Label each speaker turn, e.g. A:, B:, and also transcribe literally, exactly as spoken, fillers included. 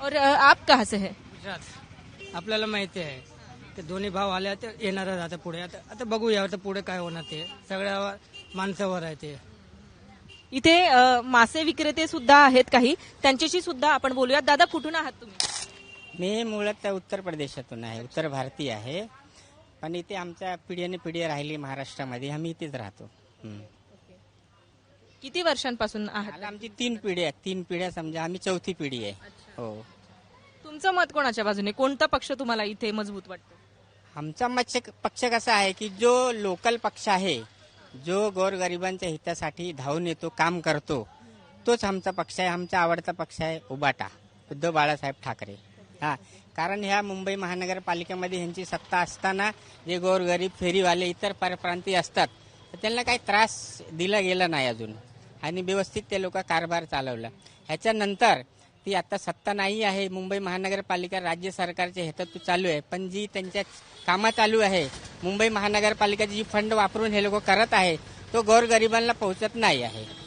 A: और अ, आप कहाँ से है?
B: गुजरात. आपल्याला माहिती आहे ते दोन्ही भाव आले आता येणारच आता पुढे. आता आता बघूया आता पुढे काय होणार ते. सगळ्या माणसावर आहे ते.
A: इथे अ, मासे विक्रेते सुद्धा आहेत काही, त्यांच्याशी सुद्धा आपण बोलूयात. दादा, कुठून आहात तुम्ही?
C: मी मुळात उत्तर प्रदेशातून आहे, उत्तर भारतीय आहे, पण इथे आमच्या पिढीने पिढी राहिली महाराष्ट्रामध्ये, आम्ही इथेच राहतो. हम्म.
A: किती वर्षांपासून आहात?
C: मला आमची तीन पिढी आहेत, तीन पिढ्या समजा, आम्ही चौथी पिढी आहे. हो.
A: तुमचं मत कोणाच्या बाजूने? कोणता पक्ष तुम्हाला इथे मजबूत वाटतो?
C: आमचा मत्स्य पक्ष कसा आहे की जो लोकल पक्ष आहे, जो गोरगरिबांच्या हितासाठी धावून येतो, काम करतो, तोच आमचा पक्ष आहे. आमचा आवडता पक्ष आहे उबाटा, उद्धव बाळासाहेब ठाकरे. हा, कारण ह्या मुंबई महानगरपालिकेमध्ये ह्यांची सत्ता असताना जे गोरगरीब फेरीवाले इतर परप्रांतीय असतात तर त्यांना काही त्रास दिला गेला नाही अजून, आणि व्यवस्थित ते लोक कारभार चालवला. ह्याच्यानंतर ती आता सत्ता नाही आहे, मुंबई महानगरपालिका राज्य सरकारच्या हेतू चालू आहे, पण जी त्यांच्या कामं चालू आहे, मुंबई महानगरपालिकेची जी फंड वापरून हे लोक करत आहे, तो गोरगरिबांना पोहोचत नाही आहे.